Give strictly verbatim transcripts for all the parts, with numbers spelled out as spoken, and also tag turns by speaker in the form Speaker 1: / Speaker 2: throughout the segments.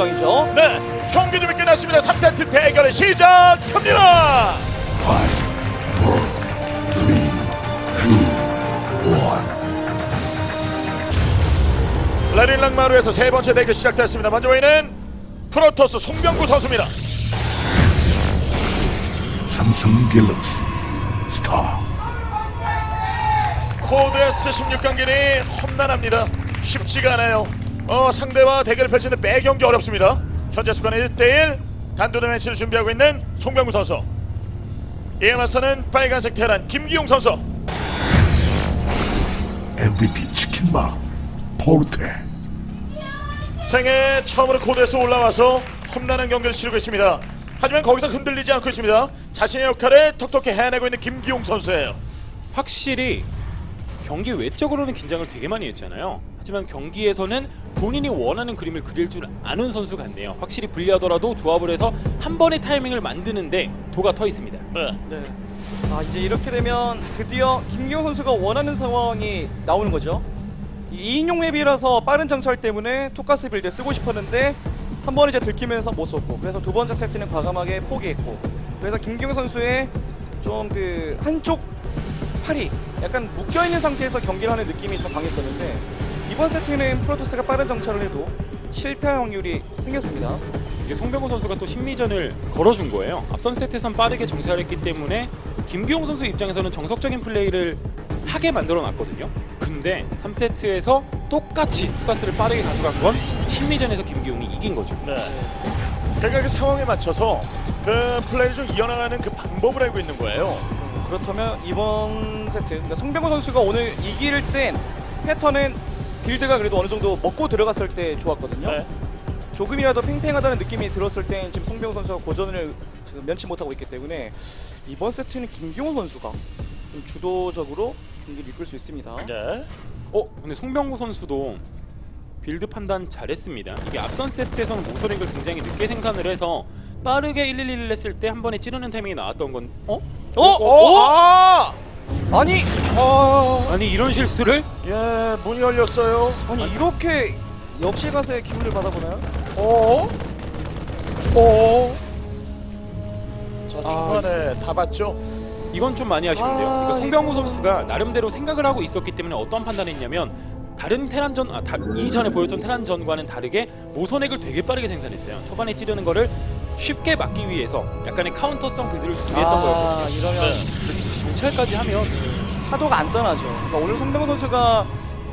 Speaker 1: 예정이죠.
Speaker 2: 네, 경기 준비 끝났습니다. 삼 세트 대결의 시작합니다.
Speaker 3: Five, four, three, two, one.
Speaker 2: 라린랑 마루에서 세 번째 대결 시작됐습니다. 먼저 보이는 프로토스 송병구 선수입니다.
Speaker 3: 삼성 갤럭시 스타.
Speaker 2: 코드 에스 십육 경기는 험난합니다. 쉽지가 않아요. 어, 상대와 대결을 펼치는 매 경기 어렵습니다. 현재 수간의 일 대 일 단도대 매치를 준비하고 있는 송병구 선수. 이에 맞서는 빨간색 테란 김기용 선수.
Speaker 3: 엠브이피 치킨마 포르테.
Speaker 2: 생애 처음으로 코드에서 올라와서 험난한 경기를 치르고 있습니다. 하지만 거기서 흔들리지 않고 있습니다. 자신의 역할을 톡톡히 해내고 있는 김기용 선수예요.
Speaker 4: 확실히 경기 외적으로는 긴장을 되게 많이 했잖아요. 하지만 경기에서는 본인이 원하는 그림을 그릴 줄 아는 선수 같네요. 확실히 불리하더라도 조합을 해서 한 번의 타이밍을 만드는데 도가 터 있습니다.
Speaker 2: 네.
Speaker 1: 네. 아, 이제 이렇게 되면 드디어 김기용 선수가 원하는 상황이 나오는 거죠. 이 인용 맵이라서 빠른 정찰 때문에 투가스 빌드 쓰고 싶었는데 한 번 이제 들키면서 못 썼고, 그래서 두 번째 세트는 과감하게 포기했고, 그래서 김기용 선수의 좀 그 한쪽 팔이 약간 묶여있는 상태에서 경기를 하는 느낌이 더 강했었는데, 이번 세트는 프로토스가 빠른 정찰을 해도 실패할 확률이 생겼습니다.
Speaker 4: 이게 송병호 선수가 또 심리전을 걸어준 거예요. 앞선 세트에선 빠르게 정찰했기 때문에 김기용 선수 입장에서는 정석적인 플레이를 하게 만들어 놨거든요. 근데 삼 세트에서 똑같이 투가스를 빠르게 가져간 건 심리전에서 김기용이 이긴 거죠.
Speaker 2: 네. 그러니까 그 상황에 맞춰서 그 플레이를 좀 이어나가는 그 방법을 알고 있는 거예요.
Speaker 1: 그렇다면 이번 세트, 그러니까 송병호 선수가 오늘 이길 땐 패턴은 빌드가 그래도 어느 정도 먹고 들어갔을 때 좋았거든요.
Speaker 2: 네.
Speaker 1: 조금이라도 팽팽하다는 느낌이 들었을 땐 지금 송병호 선수가 고전을 지금 면치 못하고 있기 때문에 이번 세트는 김기용 선수가 좀 주도적으로 경기를 이끌 수 있습니다.
Speaker 2: 네.
Speaker 4: 어? 근데 송병구 선수도 빌드 판단 잘했습니다. 이게 앞선 세트에서는 모서링을 굉장히 늦게 생산을 해서 빠르게 일일일을 했을 때 한 번에 찌르는 타이밍이 나왔던 건 어?
Speaker 1: 어?
Speaker 2: 어? 아!
Speaker 1: 아니,
Speaker 2: 아!
Speaker 4: 아니 이런 실수를?
Speaker 2: 예, 문이 열렸어요.
Speaker 1: 아니 이렇게 역시 가서의 기운을 받아보나요?
Speaker 2: 어? 어? 자, 중간에 다 봤죠?
Speaker 4: 이건 좀 많이 아쉬운데요.
Speaker 1: 아,
Speaker 4: 그러니까 송병구
Speaker 1: 이거-
Speaker 4: 선수가 나름대로 생각을 하고 있었기 때문에 어떤 판단을 했냐면 다른 테란전, 아, 다, 이전에 보였던 테란전과는 다르게 모선액을 되게 빠르게 생산했어요. 초반에 찌르는 거를 쉽게 막기 위해서 약간의 카운터성 빌드를 준비했던 거였거든요.
Speaker 1: 아, 이러면
Speaker 2: 네.
Speaker 4: 정찰까지 하면
Speaker 1: 사도가 안 떠나죠. 그러니까 오늘 송병호 선수가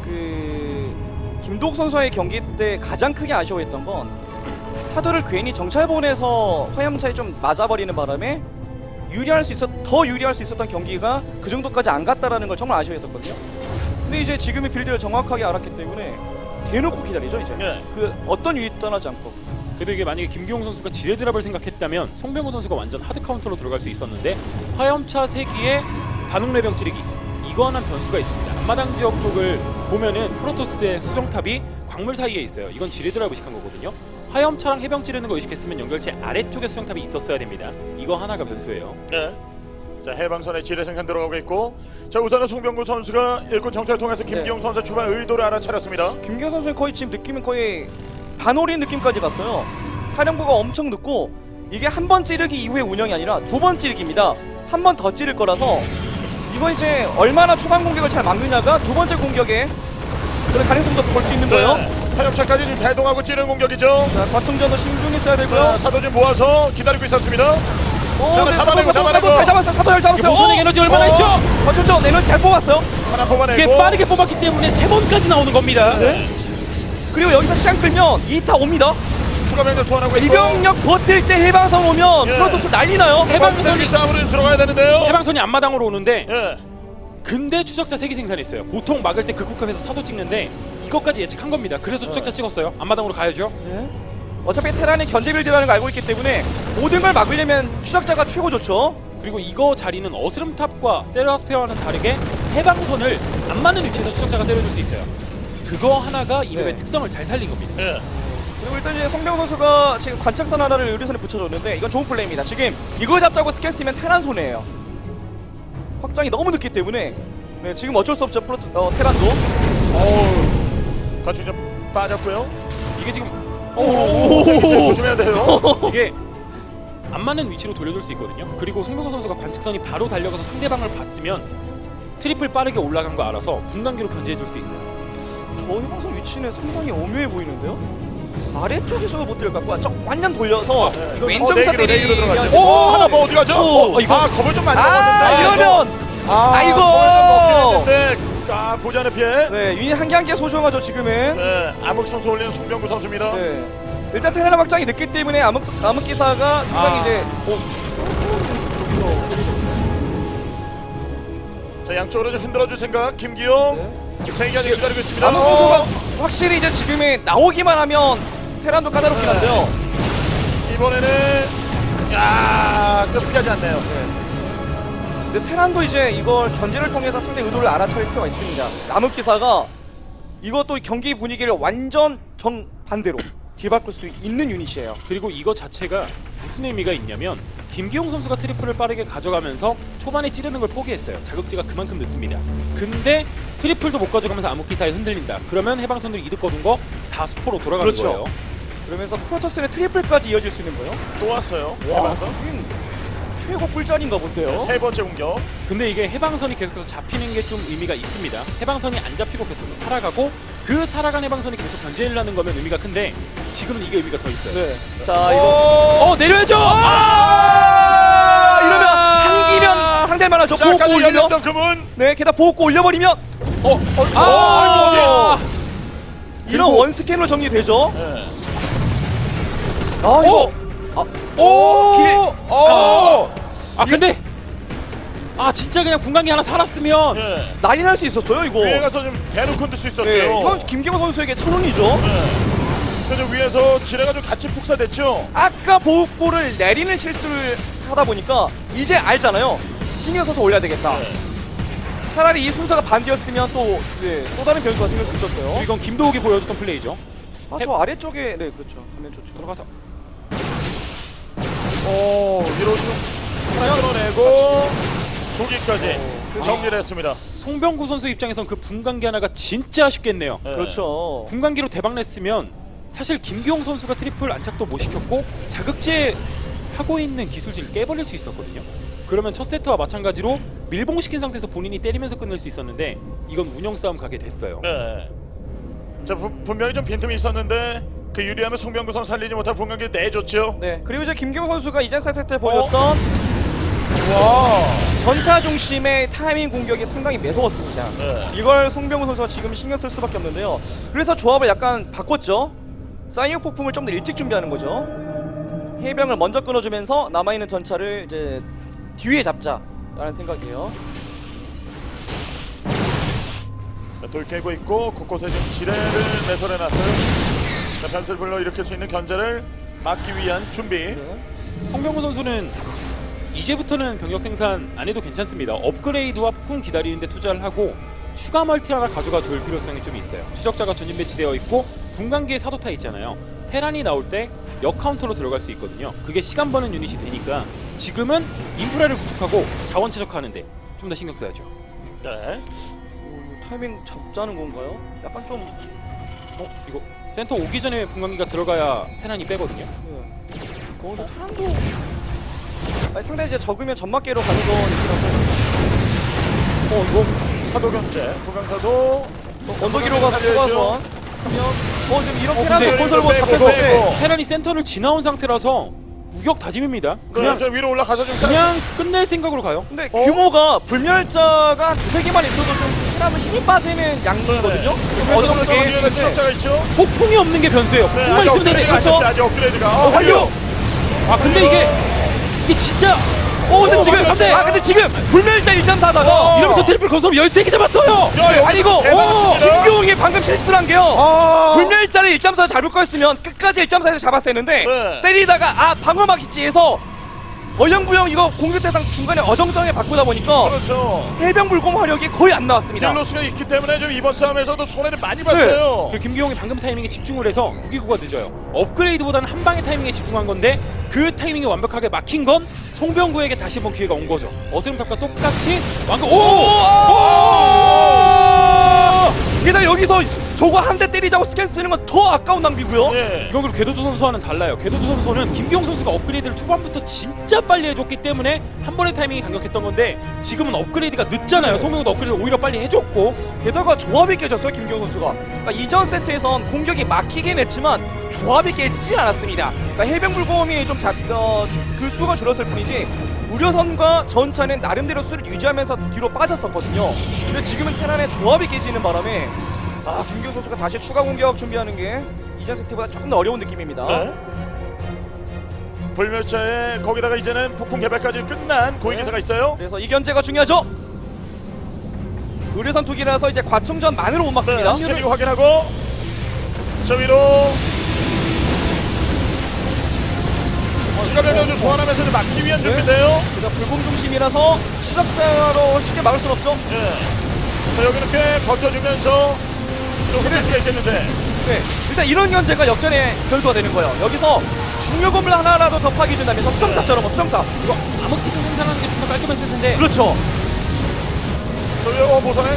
Speaker 1: 그 김도욱 선수와의 경기 때 가장 크게 아쉬워했던 건 사도를 괜히 정찰 보내서 화염차에 좀 맞아버리는 바람에 유리할 수 있었 더 유리할 수 있었던 경기가 그 정도까지 안 갔다라는 걸 정말 아쉬워했었거든요. 근데 이제 지금의 빌드를 정확하게 알았기 때문에 대놓고 기다리죠 이제.
Speaker 2: 네.
Speaker 1: 그 어떤 유리 떠나지 않고.
Speaker 4: 그래도 이게 만약에 김기용 선수가 지뢰 드랍을 생각했다면 송병호 선수가 완전 하드 카운터로 들어갈 수 있었는데 화염차 세 기에 반응 레병 찌르기 이거 하나 변수가 있습니다. 앞마당 지역 쪽을 보면은 프로토스의 수정탑이 광물 사이에 있어요. 이건 지뢰 드랍 의식한 거거든요. 화염차랑 해병 찌르는 거 의식했으면 연결체 아래쪽에 수정탑이 있었어야 됩니다. 이거 하나가 변수예요.
Speaker 2: 네. 자, 해방선에 지뢰 생산 들어가고 있고, 자, 우선은 송병구 선수가 일꾼 정찰을 통해서 김기용
Speaker 1: 네.
Speaker 2: 선수의 초반 의도를 알아차렸습니다.
Speaker 1: 김기현 선수는 거의 지금 느낌은 거의 반올인 느낌까지 갔어요. 사령부가 엄청 늦고 이게 한 번 찌르기 이후의 운영이 아니라 두 번 찌르기입니다. 한 번 더 찌를 거라서 이건 이제 얼마나 초반 공격을 잘 막느냐가 두 번째 공격에 그런 가능성도 볼 수 있는 거예요.
Speaker 2: 네. 화염차까지 지금 대동하고 찌르는 공격이죠.
Speaker 1: 자, 과충전도 신중히 써야 되고요.
Speaker 2: 자, 사도 좀 모아서 기다리고 있었습니다.
Speaker 1: 어,
Speaker 2: 자,
Speaker 1: 네,
Speaker 2: 잡아내고,
Speaker 1: 사도,
Speaker 2: 잡아내고.
Speaker 1: 사도 잘 잡았어요. 사도 잘 잡았어요.
Speaker 4: 모선액 에너지 얼마나 있죠?
Speaker 1: 과충전 에너지 잘 뽑았어요.
Speaker 2: 하나 뽑아내고.
Speaker 4: 이게 빠르게 뽑았기 때문에 세 번까지 나오는 겁니다.
Speaker 2: 네.
Speaker 1: 그리고 여기서 시간 끌면 이 타 옵니다.
Speaker 2: 추가 병력 소환하고 있고.
Speaker 1: 이병력 버틸 때 해방선 오면
Speaker 2: 예.
Speaker 1: 프로토스 난리 나요.
Speaker 2: 해방선이 싸움으로 들어가야 되는데요.
Speaker 4: 해방선이 앞마당으로 오는데
Speaker 2: 예.
Speaker 4: 근데 추적자 세 개 생산했어요. 보통 막을 때 극복하면서 사도 찍는데 이것까지 예측한 겁니다. 그래서 추적자 찍었어요. 앞마당으로 가야죠.
Speaker 1: 네. 어차피 테란이 견제 빌드라는 걸 알고 있기 때문에 모든 걸 막으려면 추적자가 최고 좋죠.
Speaker 4: 그리고 이거 자리는 어스름탑과 세라스페어와는 다르게 해방선을 안 맞는 위치에서 추적자가 때려줄 수 있어요. 그거 하나가 이 맵의
Speaker 1: 네.
Speaker 4: 특성을 잘 살린 겁니다.
Speaker 2: 예.
Speaker 1: 그리고 일단 이제 성병 선수가 지금 관측선 하나를 의료선에 붙여줬는데 이건 좋은 플레이입니다. 지금 이거 잡자고 스캔 쓰면 테란 손해예요. 확장이 너무 늦기 때문에 네, 지금 어쩔 수 없죠. 프로토, 어, 테란도.
Speaker 2: 어우. 거치 좀 빠졌고요.
Speaker 4: 이게 지금
Speaker 2: 오, 조심해야 돼요.
Speaker 4: 이게 안 맞는 위치로 돌려줄 수 있거든요. 그리고 송병구 선수가 관측선이 바로 달려가서 상대방을 봤으면 트리플 빠르게 올라간 거 알아서 분간기로 견제해줄 수 있어요.
Speaker 1: 저 해방선 위치는 상당히 오묘해 보이는데요. 아래쪽에서도 못 들을 것 같고 저 완전 돌려서
Speaker 2: 네.
Speaker 1: 이거
Speaker 2: 어,
Speaker 1: 왼쪽에서
Speaker 2: 내기로, 내기로
Speaker 1: 때리면
Speaker 2: 들어가죠.
Speaker 1: 오!
Speaker 2: 오, 하나 뭐 어디 가죠?
Speaker 1: 오,
Speaker 2: 어, 이거 아 겁을 좀 많이
Speaker 1: 아,
Speaker 2: 먹었는데.
Speaker 1: 이러면
Speaker 2: 아,
Speaker 1: 아이고!
Speaker 2: 겁을 좀 먹긴 했는데 아 보지 않은 피해.
Speaker 1: 네, 유닛 한 개 한 개 소중하죠 지금은.
Speaker 2: 네, 암흑 선수 올리는 송병구 선수입니다.
Speaker 1: 네. 일단 테라나 확장이 늦기 때문에 암흑 암흑 기사가 상당히
Speaker 2: 아.
Speaker 1: 이제 어,
Speaker 2: 자 양쪽으로 좀 흔들어줄 생각 김기용. 세기가 지금 기다리고 있습니다.
Speaker 1: 암흑 선수가 확실히 이제 지금에 나오기만 하면 테란도 까다롭긴 한데요.
Speaker 2: 이번에는 야 끝까지 않네요.
Speaker 1: 근데 테란도 이제 이걸 견제를 통해서 상대 의도를 알아차릴 필요가 있습니다. 암흑 기사가 이것도 경기 분위기를 완전 정 반대로 뒤바꿀 수 있는 유닛이에요.
Speaker 4: 그리고 이거 자체가 무슨 의미가 있냐면 김기용 선수가 트리플을 빠르게 가져가면서 초반에 찌르는 걸 포기했어요. 자극지가 그만큼 늦습니다. 근데 트리플도 못 가져가면서 암흑기사에 흔들린다. 그러면 해방선들이 이득 거둔 거 다 수포로 돌아가는
Speaker 1: 그렇죠.
Speaker 4: 거예요.
Speaker 1: 그러면서 프로토스의 트리플까지 이어질 수 있는 거예요.
Speaker 2: 또 왔어요.
Speaker 1: 와,
Speaker 2: 해방선.
Speaker 1: 여긴 최고 꿀짠인가 본데요.
Speaker 2: 세 번째 공격.
Speaker 4: 근데 이게 해방선이 계속해서 잡히는 게 좀 의미가 있습니다. 해방선이 안 잡히고 계속해서 살아가고 그 살아간 해방선이 계속 견제를 하는 거면 의미가 큰데 지금은 이게 의미가 더 있어요.
Speaker 1: 네. 자, 이거
Speaker 4: 어 내려야죠.
Speaker 1: 아! 이러면 한기면 상대만 하죠.
Speaker 2: 자
Speaker 1: 보호고
Speaker 2: 까지
Speaker 1: 올리면
Speaker 2: 열렸던 그문.
Speaker 1: 네, 게다가 보호고 올려버리면
Speaker 4: 어, 어,
Speaker 1: 아!
Speaker 2: 어디?
Speaker 1: 이런 원스캔으로 정리되죠.
Speaker 2: 네.
Speaker 1: 아, 이거 아,
Speaker 4: 오!
Speaker 1: 길.
Speaker 4: 어! 아 근데 아 진짜 그냥 분광기 하나 살았으면
Speaker 2: 네.
Speaker 1: 난리 날 수 있었어요, 이거.
Speaker 2: 위에 가서 좀 대놓고 흔들 수 있었죠.
Speaker 1: 네, 이건 김경호 선수에게 천운이죠.
Speaker 2: 네. 그래서 위에서 지뢰가 같이 폭사됐죠.
Speaker 1: 아까 보호골을 내리는 실수를 하다 보니까 이제 알잖아요. 신경 써서 올려야 되겠다.
Speaker 2: 네.
Speaker 1: 차라리 이 순서가 반대였으면 또, 네, 또 다른 변수가 생길 수 있었어요.
Speaker 4: 이건 김도욱이 보여줬던 플레이죠.
Speaker 1: 아, 저 아래쪽에, 네, 그렇죠. 가면 좋죠.
Speaker 4: 들어가서
Speaker 2: 오 위로 지금 하나 끌어내고 도기까지
Speaker 1: 어,
Speaker 2: 정리를 했습니다.
Speaker 4: 송병구 선수 입장에선 그 분광기 하나가 진짜 아쉽겠네요.
Speaker 2: 네.
Speaker 1: 그렇죠.
Speaker 4: 분광기로 대박 냈으면 사실 김기용 선수가 트리플 안착도 못 시켰고 자극제 하고 있는 기술진을 깨버릴 수 있었거든요. 그러면 첫 세트와 마찬가지로 밀봉시킨 상태에서 본인이 때리면서 끝낼 수 있었는데 이건 운영 싸움 가게 됐어요.
Speaker 2: 네. 자 부, 분명히 좀 빈틈이 있었는데 그 유리함을 송병구 선수 살리지 못한 분광기 내줬죠.
Speaker 1: 네, 그리고 이제 김경호 선수가 이전 세트 때 보였던
Speaker 2: 와.
Speaker 1: 전차 중심의 타이밍 공격이 상당히 매서웠습니다.
Speaker 2: 네.
Speaker 1: 이걸 송병호 선수가 지금 신경 쓸 수밖에 없는데요. 그래서 조합을 약간 바꿨죠. 사이언 폭풍을 좀 더 일찍 준비하는 거죠. 해병을 먼저 끊어주면서 남아있는 전차를 이제 뒤에 잡자라는 생각이에요.
Speaker 2: 자, 돌 깨고 있고 곳곳에 지금 지뢰를 매설해놨어요. 자 변수를 불러일으킬 수 있는 견제를 막기 위한 준비.
Speaker 1: 네.
Speaker 4: 송병구 선수는 이제부터는 병력 생산 안 해도 괜찮습니다. 업그레이드와 폭풍 기다리는데 투자를 하고 추가 멀티 하나 가져가 줄 필요성이 좀 있어요. 추적자가 전진 배치되어 있고 분광기에 사도타 있잖아요. 테란이 나올 때 역 카운터로 들어갈 수 있거든요. 그게 시간 버는 유닛이 되니까 지금은 인프라를 구축하고 자원 최적화하는데 좀 더 신경 써야죠.
Speaker 2: 네.
Speaker 1: 오, 타이밍 잡자는 건가요? 약간 좀
Speaker 4: 어? 이거 센터 오기 전에 분광기가 들어가야 테란이 빼거든요.
Speaker 1: 네. 어, 근데 테란도 아니, 상당히 이제 적으면 점막계로 가는 건 있긴 한데
Speaker 2: 어 이거 사도 견제 구강사도
Speaker 1: 언덕 위로 가서 추가 소환 하면 어 지금 이런
Speaker 4: 어,
Speaker 1: 테란도
Speaker 4: 근데
Speaker 1: 건설 뭐
Speaker 2: 빼고,
Speaker 1: 잡혔을 때
Speaker 2: 빼고.
Speaker 4: 테란이 센터를 지나온 상태라서 우격 다짐입니다.
Speaker 2: 그냥,
Speaker 4: 그냥
Speaker 2: 그냥 위로 올라가서 좀
Speaker 4: 그냥 끝낼 생각으로 가요.
Speaker 1: 근데
Speaker 2: 어?
Speaker 1: 규모가 불멸자가 두세 개만 있어도 좀 테란은 힘이 빠지는 양도거든요.
Speaker 2: 어느 정도
Speaker 1: 어떻게
Speaker 2: 위에는 추적자가 있죠.
Speaker 4: 폭풍이 없는 게 변수예요.
Speaker 2: 네,
Speaker 4: 폭풍만
Speaker 2: 아직
Speaker 4: 있으면 되는데
Speaker 2: 업그레이드가 안
Speaker 4: 그렇죠?
Speaker 2: 됐어요. 아직 업그레이드가. 어,
Speaker 1: 완료!
Speaker 4: 아 근데 이게 이게 진짜 어 근데
Speaker 2: 어,
Speaker 4: 지금
Speaker 2: 완전
Speaker 4: 근데
Speaker 1: 아 근데 지금 불멸자 일 점 사다가
Speaker 2: 어.
Speaker 4: 이러면서 트리플 건설 열세 개 잡았어요.
Speaker 2: 야, 여기
Speaker 1: 아니 이거
Speaker 2: 대박
Speaker 1: 어,
Speaker 2: 칩니다.
Speaker 1: 김경웅이 방금 실수를 한 게요.
Speaker 2: 아.
Speaker 1: 불멸자를 일 점 사 잡을 거였으면 끝까지 일 점 사에서 잡았어야 했는데
Speaker 2: 네.
Speaker 1: 때리다가 아 방어막 있지에서 어영부영 이거 공격 대상 중간에 어정쩡하게 바꾸다 보니까
Speaker 2: 그렇죠.
Speaker 1: 해병 불공 화력이 거의 안 나왔습니다.
Speaker 2: 딜로스가 있기 때문에 좀 이번 싸움에서도 손해를 많이 봤어요.
Speaker 4: 그 김기용이 방금 타이밍에 집중을 해서 무기고가 늦어요. 업그레이드보다는 한 방의 타이밍에 집중한 건데 그 타이밍이 완벽하게 막힌 건 송병구에게 다시 한번 기회가 온 거죠. 어스름탑과 똑같이 완전 오!
Speaker 1: 게다가 여기서 저거 한 대 때리자고 스캔 쓰는 건 더 아까운 낭비고요.
Speaker 2: 예.
Speaker 4: 이건 그리고 궤도주 선수와는 달라요. 궤도주 선수는 김기용 선수가 업그레이드를 초반부터 진짜 빨리 해줬기 때문에 한 번의 타이밍이 강력했던 건데 지금은 업그레이드가 늦잖아요. 송병구도 업그레이드 오히려 빨리 해줬고
Speaker 1: 게다가 조합이 깨졌어요, 김기용 선수가. 그러니까 이전 세트에선 공격이 막히긴 했지만 조합이 깨지진 않았습니다. 그러니까 해병불곰이 좀 자, 어, 그 수가 줄었을 뿐이지 우려선과 전차는 나름대로 수를 유지하면서 뒤로 빠졌었거든요. 근데 지금은 테란의 조합이 깨지는 바람에 아, 김기용 선수가 다시 추가 공격 준비하는 게 이전 세트보다 조금 더 어려운 느낌입니다.
Speaker 2: 네. 불멸자에 거기다가 이제는 폭풍 개발까지 끝난 고위기사가 있어요.
Speaker 1: 그래서 이 견제가 중요하죠. 의료선 투기라서 이제 과충전만으로 못 막습니다.
Speaker 2: 네, 스캐닝 확인하고 저 위로 어, 추가 병력 좀 소환하면서 좀 막기 위한 준비인데요.
Speaker 1: 그래서 불공 중심이라서 추적자로 쉽게 막을 순 없죠.
Speaker 2: 예. 자 여기 이렇게 버텨주면서 좀 흔들 수가 있겠는데.
Speaker 1: 네, 일단 이런 견제가 역전의 변수가 되는 거예요. 여기서 중요 건물 하나라도 더 파기 준다면 저 수정탑처럼 뭐 수정탑.
Speaker 4: 이거 암흑기술 생산하는 게 좀 더 깔끔했을 텐데
Speaker 1: 그렇죠.
Speaker 2: 저 위로 어, 모선에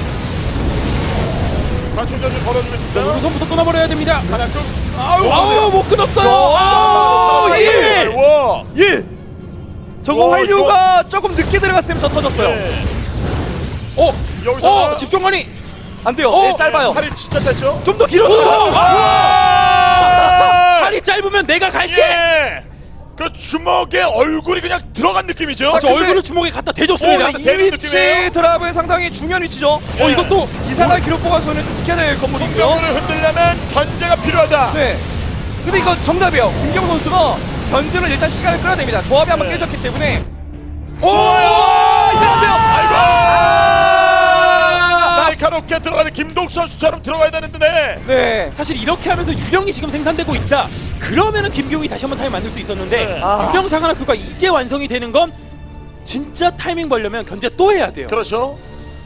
Speaker 2: 관충전을 걸어주겠습니다.
Speaker 4: 우선부터 끊어버려야 됩니다.
Speaker 2: 하나 쭉.
Speaker 1: 아우,
Speaker 4: 아우 못 끊었어요.
Speaker 1: 아우,
Speaker 4: 아우,
Speaker 1: 일!
Speaker 2: 와.
Speaker 1: 일. 저거
Speaker 2: 와,
Speaker 1: 활류가 조금 늦게 들어갔으면 더 터졌어요.
Speaker 2: 네.
Speaker 4: 어,
Speaker 2: 여기서
Speaker 4: 어, 집중관이
Speaker 1: 안 돼요.
Speaker 4: 어,
Speaker 1: 네, 짧아요.
Speaker 2: 팔이 진짜 짧죠?
Speaker 4: 좀 더 길어졌어.
Speaker 2: 아!
Speaker 4: 팔이 짧으면 내가 갈게.
Speaker 2: 예. 그 주먹에 얼굴이 그냥 들어간 느낌이죠.
Speaker 4: 저
Speaker 1: 근데-
Speaker 4: 얼굴을 주먹에 갖다 대줬습니다.
Speaker 2: 어,
Speaker 1: 이
Speaker 2: 대는
Speaker 1: 위치
Speaker 2: 느낌이에요?
Speaker 1: 드랍은 상당히 중요한 위치죠.
Speaker 4: 어, 이것도
Speaker 1: 이사날 기록 보관소는 좀 지켜야 될 건물이고요.
Speaker 2: 성병을 흔들려면 견제가 필요하다.
Speaker 1: 네. 근데 이거 정답이에요. 김경 선수가 견제를 일단 시간을 끌어야 됩니다. 조합이 한번
Speaker 2: 네.
Speaker 1: 깨졌기 때문에.
Speaker 2: 오!
Speaker 1: 이거 안 돼요.
Speaker 2: 아이고!
Speaker 1: 아!
Speaker 2: 날카롭게 들어가는 김동 선수처럼 들어가야 되는데.
Speaker 1: 네.
Speaker 4: 사실 이렇게 하면서 유령이 지금 생산되고 있다. 그러면은 김기용이 다시 한번 타임 만들 수 있었는데
Speaker 2: 네.
Speaker 1: 아.
Speaker 4: 유령 사가나 그가 이제 완성이 되는 건 진짜 타이밍 벌려면 견제 또 해야 돼요.
Speaker 2: 그렇죠.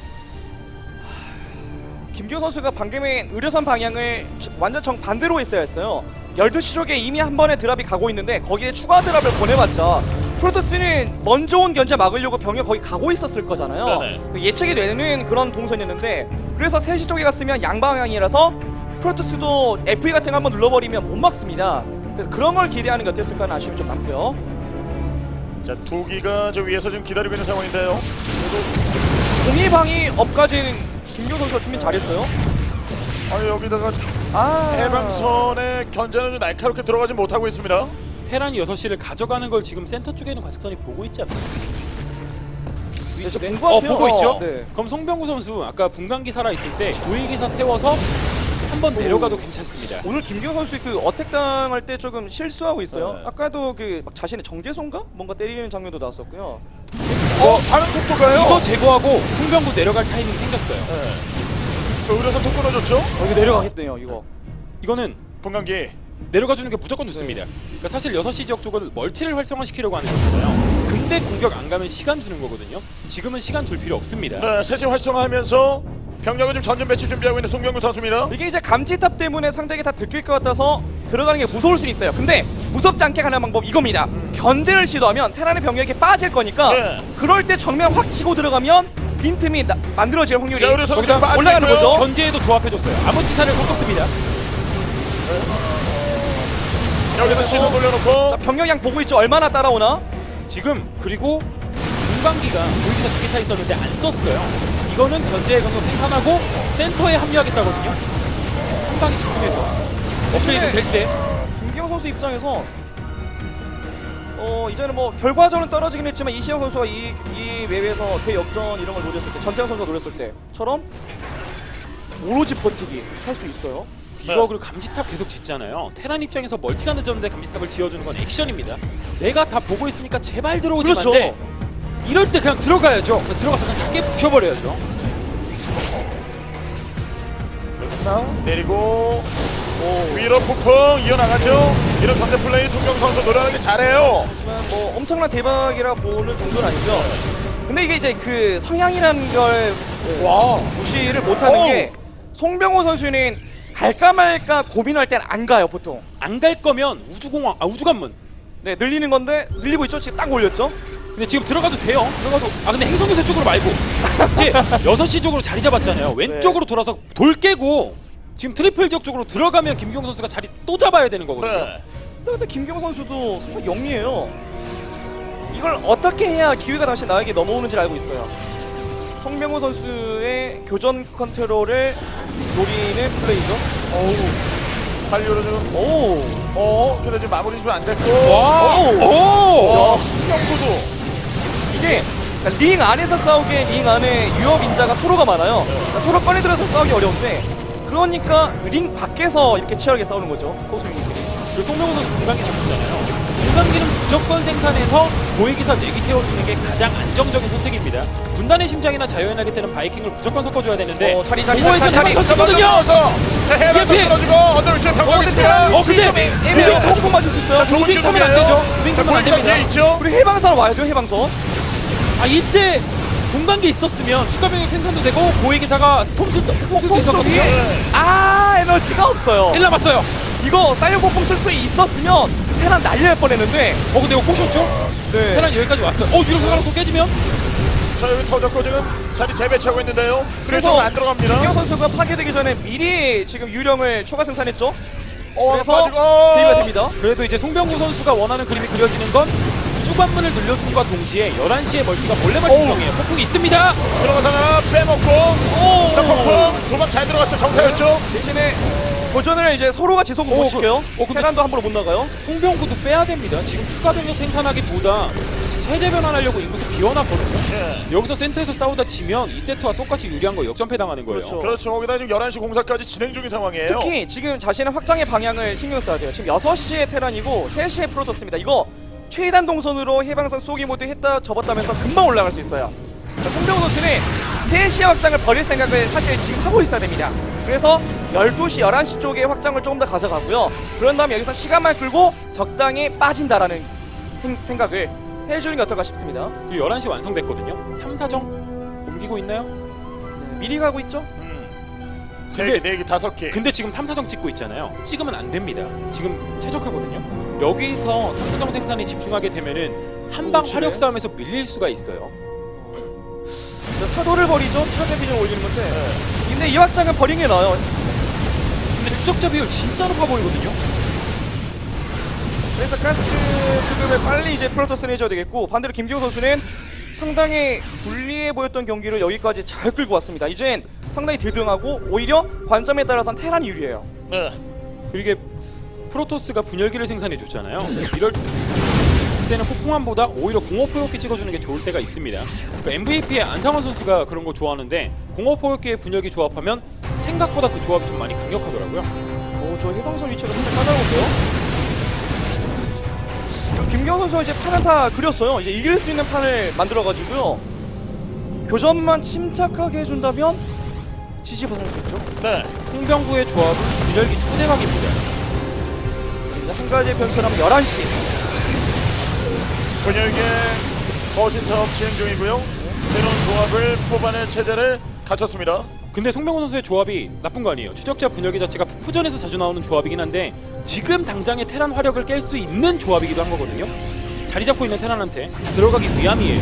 Speaker 1: 김경 선수가 방금의 의료선 방향을 완전 정반대로 했어야 했어요. 열두 시 쪽에 이미 한 번의 드랍이 가고 있는데 거기에 추가 드랍을 보내봤자 프로토스는 먼저 온 견제 막으려고 병력 거기 가고 있었을 거잖아요.
Speaker 2: 네네.
Speaker 1: 그 예측이 되는 그런 동선이었는데 그래서 세 시 쪽에 갔으면 양방향이라서 프로토스도 에프이 같은 거 한번 눌러버리면 못 막습니다. 그래서 그런 걸 기대하는 게 어땠을까 하는 아쉬움이 좀 남고요.
Speaker 2: 자, 두기가 저 위에서 지금 기다리고 있는 상황인데요.
Speaker 1: 공이방이 업까지는 김경 선수가 준비 잘했어요.
Speaker 2: 아니 여기다가
Speaker 1: 아,
Speaker 2: 해방선의 견제는 좀 날카롭게 들어가지 못하고 있습니다.
Speaker 4: 테란이 여섯 시를 가져가는 걸 지금 센터 쪽에 있는 관측선이 보고 있지 않나요?
Speaker 1: 네, 저
Speaker 4: 네.
Speaker 1: 본것
Speaker 4: 어,
Speaker 1: 같아요.
Speaker 4: 보고 있죠?
Speaker 1: 어, 네.
Speaker 4: 그럼 송병구 선수 아까 분광기 살아있을 때 고위기사 태워서 한번 내려가도 괜찮습니다.
Speaker 1: 오늘 김경 선수 그 어택 당할 때 조금 실수하고 있어요.
Speaker 2: 네.
Speaker 1: 아까도 그 막 자신의 정제손가 뭔가 때리는 장면도 나왔었고요.
Speaker 2: 어, 다른 속도가요?
Speaker 4: 이거 제거하고 송병구 내려갈 타이밍이 생겼어요.
Speaker 2: 네. 의료선 톡 끊어줬죠?
Speaker 1: 어, 이거 내려가겠네요. 이거.
Speaker 4: 이거는
Speaker 2: 분광기.
Speaker 4: 내려가 주는 게 무조건 좋습니다. 그러니까 사실 여섯 시 지역 쪽을 멀티를 활성화시키려고 하는 거잖아요. 근데 공격 안 가면 시간 주는 거거든요. 지금은 시간 줄 필요 없습니다.
Speaker 2: 네, 셋이 활성화하면서 병력을 좀 전진 배치 준비하고 있는 송병구 선수입니다.
Speaker 1: 이게 이제 감지탑 때문에 상대에게 다 들킬 것 같아서 들어가는 게 무서울 수는 있어요. 근데 무섭지 않게 가는 방법 이겁니다.
Speaker 2: 음.
Speaker 1: 견제를 시도하면 테란의 병력이 빠질 거니까
Speaker 2: 네.
Speaker 1: 그럴 때 정면 확 치고 들어가면 빈틈이 나, 만들어질 확률이
Speaker 2: 자, 의료선
Speaker 1: 거기다
Speaker 2: 좀 빠지고
Speaker 1: 올라가는
Speaker 2: 있고요.
Speaker 1: 거죠.
Speaker 4: 견제에도 조합해줬어요. 암흑기사를 꺾었습니다.
Speaker 2: 여기서 시선 돌려놓고
Speaker 1: 자, 병력량 보고 있죠. 얼마나 따라오나?
Speaker 4: 지금 그리고 분광기가 고위기사 두 개 타 있었는데 안 썼어요. 이거는 견제의 경로 생산하고 센터에 합류하겠다거든요. 상당히 집중해서 업그레이드 될 때
Speaker 1: 김기영 선수 입장에서 어 이제는 뭐 결과적으로는 떨어지긴 했지만 이시영 선수가 이, 이 웹에서 대역전 이런 걸 노렸을 때 전태양 선수가 노렸을 때처럼 오로지 버티기 할 수 있어요.
Speaker 4: 이거
Speaker 2: 네.
Speaker 4: 그리고 감지탑 계속 짓잖아요. 테란 입장에서 멀티가 늦었는데 감지탑을 지어주는 건 액션입니다. 내가 다 보고 있으니까 제발 들어오지
Speaker 1: 그렇죠.
Speaker 4: 마인데 이럴 때 그냥 들어가야죠. 그냥 들어가서 그냥 다 깨 부셔버려야죠.
Speaker 2: 내리고 위로 폭풍 이어나가죠. 이런 견제 플레이 송병구 선수 노련하게 잘해요.
Speaker 1: 하지만 뭐 엄청난 대박이라 보는 정도는 아니죠. 근데 이게 이제 그 성향이라는 걸
Speaker 2: 와.
Speaker 1: 무시를 못하는
Speaker 2: 어우.
Speaker 1: 게 송병호 선수는 갈까 말까 고민할 땐 안 가요 보통.
Speaker 4: 안 갈 거면 우주공항, 아 우주관문.
Speaker 1: 네 늘리는 건데 늘리고 있죠. 지금 딱 올렸죠.
Speaker 4: 근데 지금 들어가도 돼요. 들어가도. 아 근데 행성교대 쪽으로 말고 이제 여섯 시 쪽으로 자리 잡았잖아요. 왼쪽으로 돌아서 돌 깨고 지금 트리플 지역 쪽으로 들어가면 김기용 선수가 자리 또 잡아야 되는 거거든요.
Speaker 2: 네.
Speaker 1: 근데 김경 선수도 정말 영리해요. 이걸 어떻게 해야 기회가 다시 나에게 넘어오는지를 알고 있어요. 송병호 선수의 교전 컨트롤을 노리는 플레이죠.
Speaker 2: 어우. 달려로 지금
Speaker 1: 오,
Speaker 2: 어 근데 지금 마무리 좀 안 됐고.
Speaker 4: 와!
Speaker 1: 오!
Speaker 4: 오!
Speaker 2: 야, 수명구도.
Speaker 1: 이게 그러니까 링 안에서 싸우기에 링 안에 유업 인자가 서로가 많아요. 그러니까 서로 꺼내들어서 싸우기 어려운데 그러니까 링 밖에서 이렇게 치열하게 싸우는 거죠. 호수인들이.
Speaker 4: 그 송명호 선수 분간기 잡혔잖아요. 분간기는 무조건 생산해서 고위기사 네기 태워주는 게 가장 안정적인 선택입니다. 분단의 심장이나 자유의 날개 때는 바이킹을 무조건 섞어줘야 되는데
Speaker 1: 어, 자리, 자리,
Speaker 4: 공허에서
Speaker 1: 자리, 자리,
Speaker 4: 대박
Speaker 1: 자리.
Speaker 4: 터치거든요.
Speaker 2: 자 해방선
Speaker 4: 이게
Speaker 2: 끊어주고 언더 위쪽에 병력이 있습니다.
Speaker 4: 어, 근데
Speaker 1: 애매해요. 조금 맞을 수 있어요.
Speaker 2: 자, 좁은
Speaker 4: 무빙 타면 안
Speaker 2: 기둥이에요.
Speaker 4: 되죠. 무빙
Speaker 2: 자,
Speaker 4: 타면 안
Speaker 2: 보니까
Speaker 4: 됩니다.
Speaker 2: 뒤에 있죠.
Speaker 1: 우리 해방선 와야 돼요. 해방선.
Speaker 4: 아 이때 분간기 있었으면 추가 병력 생산도 되고 고위기사가 스톰 쓸 수 있었거든요.
Speaker 2: 네.
Speaker 1: 아, 에너지가 없어요.
Speaker 4: 일 남았어요.
Speaker 1: 이거 사이언 폭풍 쓸 수 있었으면 테란 날릴 뻔했는데.
Speaker 4: 어 근데 이거 꼬셨죠?
Speaker 1: 네.
Speaker 4: 테란 여기까지 왔어요. 어 유령 상하로 또 깨지면?
Speaker 2: 자 여기 터졌고 지금 자리 재배치하고 있는데요. 그래서
Speaker 1: 그래서
Speaker 2: 안 들어갑니다.
Speaker 1: 김경 선수가 파괴되기 전에 미리 지금 유령을 추가 생산했죠.
Speaker 2: 어,
Speaker 1: 그래서
Speaker 2: 빠지고.
Speaker 1: 대비가 됩니다.
Speaker 4: 그래도 이제 송병구 선수가 원하는 그림이 그려지는 건 우주관문을 늘려줌과 동시에 열한 시에 멀티가 몰래 발동이에요. 폭풍이 있습니다.
Speaker 2: 들어가서 하나 빼먹고.
Speaker 4: 오!
Speaker 2: 자 폭풍 도망 잘 들어갔어요. 정타였죠.
Speaker 1: 대신에 도전을 이제 서로가 지속을
Speaker 4: 어,
Speaker 1: 못 시켜요.
Speaker 4: 그- 어, 근데-
Speaker 1: 테란도 함부로 못 나가요.
Speaker 4: 송병구도 빼야 됩니다. 지금 추가 병력 생산하기보다 세제 변환하려고 인구수 비워놨거든요.
Speaker 2: 예.
Speaker 4: 여기서 센터에서 싸우다 치면 이 세트와 똑같이 유리한 거 역전패 당하는 거예요.
Speaker 1: 그렇죠.
Speaker 2: 그렇죠. 거기다 지금 열한 시 공사까지 진행 중인 상황이에요.
Speaker 1: 특히 지금 자신의 확장의 방향을 신경 써야 돼요. 지금 여섯 시에 테란이고 세 시에 프로토스입니다. 이거 최단 동선으로 해방선 쏘기 모드 했다 접었다면서 금방 올라갈 수 있어요. 자, 송병호 선수는 세 시의 확장을 버릴 생각을 사실 지금 하고 있어야 됩니다. 그래서 열두 시, 열한 시 쪽에 확장을 조금 더 가져가고요. 그런 다음에 여기서 시간만 끌고 적당히 빠진다라는 생, 생각을 해주는 게 어떨까 싶습니다.
Speaker 4: 그리고 열한 시 완성됐거든요. 탐사정 옮기고 있나요?
Speaker 1: 네, 미리 가고 있죠?
Speaker 2: 음. 세
Speaker 4: 근데-
Speaker 2: 개, 네 개, 다섯 개.
Speaker 4: 근데 지금 탐사정 찍고 있잖아요. 찍으면 안 됩니다. 지금 최적화거든요. 여기서 탐사정 생산에 집중하게 되면은 한방
Speaker 1: 그렇지.
Speaker 4: 화력 싸움에서 밀릴 수가 있어요.
Speaker 1: 자, 사도를 버리죠. 추가 비중을 올리는 건데. 근데 이 확장은 버리는 게 나아요.
Speaker 4: 근데 추적자 비율 진짜 높아 보이거든요.
Speaker 1: 그래서 가스 수급을 빨리 이제 프로토스는 해줘야 되겠고, 반대로 김기호 선수는 상당히 불리해 보였던 경기를 여기까지 잘 끌고 왔습니다. 이젠 상당히 대등하고 오히려 관점에 따라서는 테란이 유리해요.
Speaker 2: 네.
Speaker 4: 그리고 이게 프로토스가 분열기를 생산해 줬잖아요. 이럴 때는 폭풍함보다 오히려 공업포격기 찍어주는 게 좋을 때가 있습니다. 그러니까 엠브이피의 안상원 선수가 그런 거 좋아하는데 공업포격기의 분열기 조합하면 생각보다 그 조합이 좀 많이 강력하더라고요.
Speaker 1: 오, 저 해방선 위치가 상당히 까다로운데요? 김기호 선수가 이제 판을 다 그렸어요. 이제 이길 수 있는 판을 만들어가지고요. 교전만 침착하게 해준다면 지지받을 수 있죠.
Speaker 2: 네.
Speaker 4: 송병구의 조합은 분열기 초대박입니다.
Speaker 1: 이제 한 가지 변수라면 열한 시.
Speaker 2: 분열계 거신 사업 진행 중이고요. 새로운 조합을 뽑아낼 체제를 갖췄습니다.
Speaker 4: 근데 송병구 선수의 조합이 나쁜 거 아니에요. 추적자 분열기 자체가 푸전에서 자주 나오는 조합이긴 한데 지금 당장의 테란 화력을 깰 수 있는 조합이기도 한 거거든요. 자리 잡고 있는 테란한테 들어가기 위함이에요.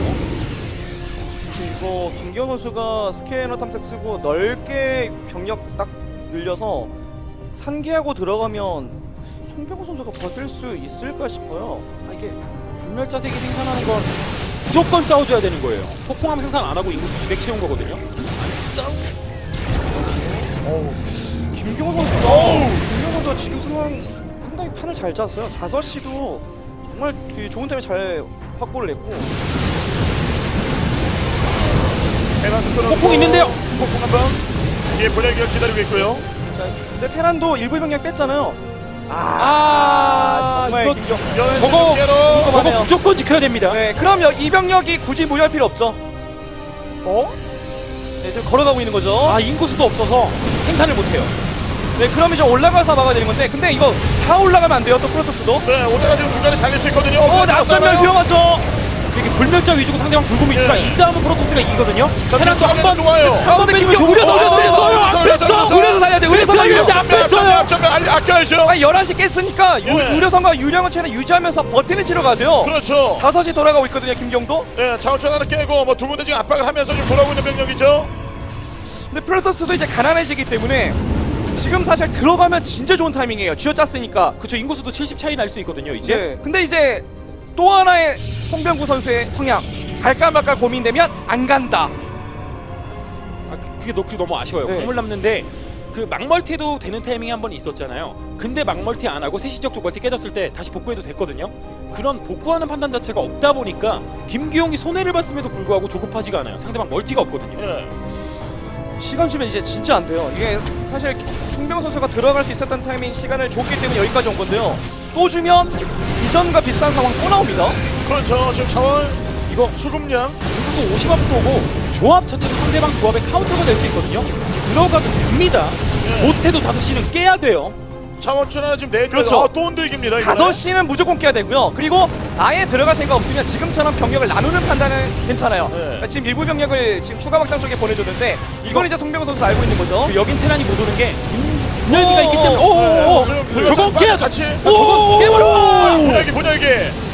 Speaker 1: 이거 김기호 선수가 스캐너 탐색 쓰고 넓게 병력 딱 늘려서 산기하고 들어가면 송병호 선수가 버틸 수 있을까 싶어요.
Speaker 4: 아, 이게 불멸자 색이 생산하는 건 무조건 싸워줘야 되는 거예요. 폭풍함 생산 안 하고 인구수 이백 채운 거거든요.
Speaker 1: 김기호 선수가 김기호 선수가 지금 상황 상당히 판을 잘 짰어요. 다섯 시도 정말 그 좋은 타임에 잘 확보를 했고.
Speaker 2: 해방선 끊어주고
Speaker 4: 폭풍 있는데요.
Speaker 2: 폭풍 한번 뒤에 분열기가 기다리고 있고요.
Speaker 1: 자, 근데 테란도 일부 병력 뺐잖아요. 아,
Speaker 4: 아,
Speaker 1: 정말
Speaker 4: 이거-
Speaker 1: 김기호.
Speaker 2: 열한 시
Speaker 4: 저거-
Speaker 2: 개로
Speaker 4: 저거
Speaker 1: 하네요.
Speaker 4: 무조건 지켜야 됩니다.
Speaker 1: 네, 그럼 여, 이 병력이 굳이 무리할 필요 없죠. 어? 네, 지금 걸어가고 있는 거죠.
Speaker 4: 아 인구수도 없어서 생산을 못해요.
Speaker 1: 네, 그럼 이제 올라가서 막아야 되는 건데, 근데 이거 다 올라가면 안 돼요, 또 프로토스도.
Speaker 2: 네, 오다가 지금 중간에 잘릴 수 있거든요.
Speaker 1: 어, 낙선면 위험하죠.
Speaker 4: 이렇게 불멸자 위주고 상대방 불곰이 있으니까
Speaker 2: 네.
Speaker 4: 이 싸움은 프로토스가 이기거든요.
Speaker 2: 자,
Speaker 4: 테란도
Speaker 2: 뒤쪽에
Speaker 4: 한번
Speaker 2: 좋아요.
Speaker 4: 한번 뺏기면
Speaker 1: 김기호
Speaker 4: 우려서
Speaker 1: 우려서
Speaker 4: 안 뺐어요.
Speaker 2: 우려서
Speaker 4: 안
Speaker 2: 우려서
Speaker 4: 뺐어.
Speaker 2: 우려서
Speaker 1: 우려서 살려야 돼, 우려서
Speaker 4: 뺐어요.
Speaker 1: 살려야 돼.
Speaker 4: 안 뺐어요.
Speaker 2: 앞전면 아껴야죠.
Speaker 1: 아니, 열한 시 깼으니까 유,
Speaker 2: 네.
Speaker 1: 우려선과 유령은 최대 유지하면서 버티는 치러 가야 돼요.
Speaker 2: 그렇죠.
Speaker 1: 다섯 시 돌아가고 있거든요, 김경도.
Speaker 2: 네, 자원천 하나 깨고 뭐 두 군데 지금 압박을 하면서 지금 돌아오고 있는 병력이죠.
Speaker 1: 근데 프로토스도 이제 가난해지기 때문에 지금 사실 들어가면 진짜 좋은 타이밍이에요. 쥐어짰으니까.
Speaker 4: 그쵸, 인구수도 칠십 차이 날 수 있거든요 이제.
Speaker 1: 네. 근데 이제 또 하나의 송병구 선수의 성향. 갈까 말까 고민되면 안 간다.
Speaker 4: 아, 그- 그게 너, 그게 너무 아쉬워요.
Speaker 1: 네.
Speaker 4: 광물 남는데 그 막멀티도 되는 타이밍이 한 번 있었잖아요. 근데 막멀티 안 하고 세시적 쪽 멀티 깨졌을 때 다시 복구해도 됐거든요. 그런 복구하는 판단 자체가 없다 보니까 김기용이 손해를 봤음에도 불구하고 조급하지가 않아요. 상대방 멀티가 없거든요.
Speaker 2: 예.
Speaker 1: 시간 주면 이제 진짜 안 돼요. 이게 사실 송병구 선수가 들어갈 수 있었던 타이밍 시간을 줬기 때문에 여기까지 온 건데요. 또 주면 이전과 비슷한 상황 또 나옵니다.
Speaker 2: 그렇죠. 지금 자원
Speaker 4: 이거
Speaker 2: 수급량.
Speaker 4: 인구수 오십 앞 쏘고 조합 자체도 상대방 조합의 카운터가 될 수 있거든요. 들어가도 됩니다.
Speaker 2: 예.
Speaker 4: 못해도 다섯 시는 깨야 돼요.
Speaker 2: 자원주나 지금 내줘.
Speaker 1: 그렇죠.
Speaker 2: 아, 또 흔들깁니다. 이거는.
Speaker 1: 다섯 시는 무조건 깨야 되고요. 그리고 아예 들어갈 생각 없으면 지금처럼 병력을 나누는 판단은 괜찮아요.
Speaker 2: 네.
Speaker 1: 그러니까 지금 일부 병력을 지금 추가 확장 쪽에 보내줬는데 이건 이제 송병구 선수 알고 있는 거죠.
Speaker 4: 그 여긴 테란이 못 오는 게 분열기가 있기 때문에
Speaker 2: 네,
Speaker 4: 오오오
Speaker 2: 지금
Speaker 4: 저거
Speaker 2: 빨리
Speaker 4: 깨야죠.
Speaker 2: 같이.
Speaker 4: 저거 깨버려.
Speaker 2: 분열기 분열기.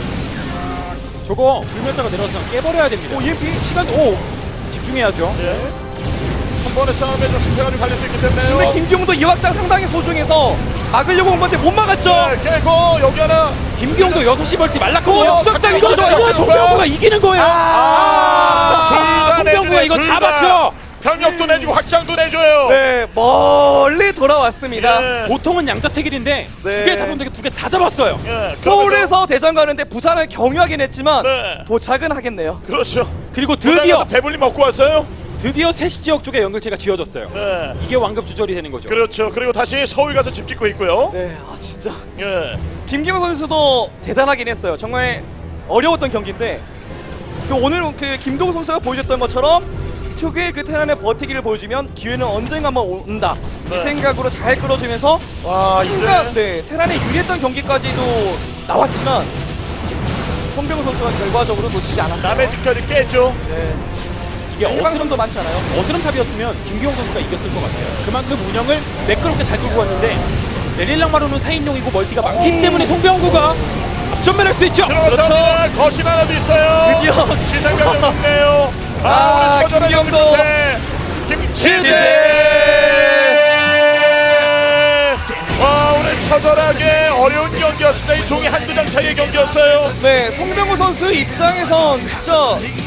Speaker 4: 저거 불멸자가 내려와서 그냥 깨버려야 됩니다.
Speaker 1: 오, 이엠피?
Speaker 4: 시간 오 집중해야죠.
Speaker 2: 예. 한 번의 싸움에 좀 승패가 좀 갈릴 수 있기 때문에.
Speaker 1: 근데 김기용도 이 확장 상당히 소중해서 막으려고 온 건데 못 막았죠.
Speaker 2: 네, 깨고 여기 하나.
Speaker 4: 김기용도 여섯 시 멀티 말랐거든요.
Speaker 1: 오, 수적장
Speaker 4: 이거
Speaker 1: 있었죠.
Speaker 4: 치면 송병구가 이기는 거예요.
Speaker 2: 아, 둘 다
Speaker 4: 송병구가
Speaker 2: 내주네,
Speaker 4: 이거
Speaker 2: 둘 다.
Speaker 4: 잡았죠.
Speaker 2: 병력도 내주고 확장도 내줘요.
Speaker 1: 네, 멀리 돌아왔습니다.
Speaker 2: 예.
Speaker 4: 보통은 양자택일인데
Speaker 1: 네.
Speaker 4: 두 개 다 손대게 두 개 다 잡았어요.
Speaker 2: 예.
Speaker 1: 서울에서 대전 가는데 부산을 경유하긴 했지만
Speaker 2: 네.
Speaker 1: 도착은 하겠네요.
Speaker 2: 그래서
Speaker 4: 그리고
Speaker 2: 드디어
Speaker 4: 드디어
Speaker 2: 배불리 먹고 왔어요.
Speaker 4: 드디어 세시 지역 쪽에 연결체가 지어졌어요.
Speaker 2: 네.
Speaker 4: 이게 완급 조절이 되는 거죠.
Speaker 2: 그렇죠. 그리고 다시 서울 가서 집 짓고 있고요.
Speaker 1: 네, 아 진짜
Speaker 2: 예.
Speaker 1: 김기용 선수도 대단하긴 했어요. 정말 어려웠던 경기인데 그 오늘 그 김동우 선수가 보여줬던 것처럼 특유의 그 테란의 버티기를 보여주면 기회는 언젠가 한번 온다.
Speaker 2: 네.
Speaker 1: 이 생각으로 잘 끌어주면서
Speaker 2: 와,
Speaker 1: 순간
Speaker 2: 이제
Speaker 1: 네, 테란의 유리했던 경기까지도 나왔지만 송병우 선수가 결과적으로 놓치지 않았어요.
Speaker 2: 남의 집까지 깨죠.
Speaker 1: 네.
Speaker 4: 이게 어스름,
Speaker 1: 일방선도 많지 않아요.
Speaker 4: 어스름탑이었으면 김기용 선수가 이겼을 것 같아요. 그만큼 운영을 매끄럽게 잘 끌고 왔는데 레릴랑마루는 사 인용이고 멀티가 많기 때문에 송병구가 앞전면할 수 있죠.
Speaker 2: 들어갔습니다. 거신 하나도 있어요.
Speaker 1: 드디어
Speaker 2: 지상병력 없네요. 아,
Speaker 1: 아,
Speaker 2: 오늘 처절한
Speaker 1: 김기영도.
Speaker 2: 김치제. 와, 오늘 처절하게 어려운 경기였습니다. 이 종이 한두 장 차이의 경기였어요.
Speaker 1: 네, 송병우 선수 입장에선 진짜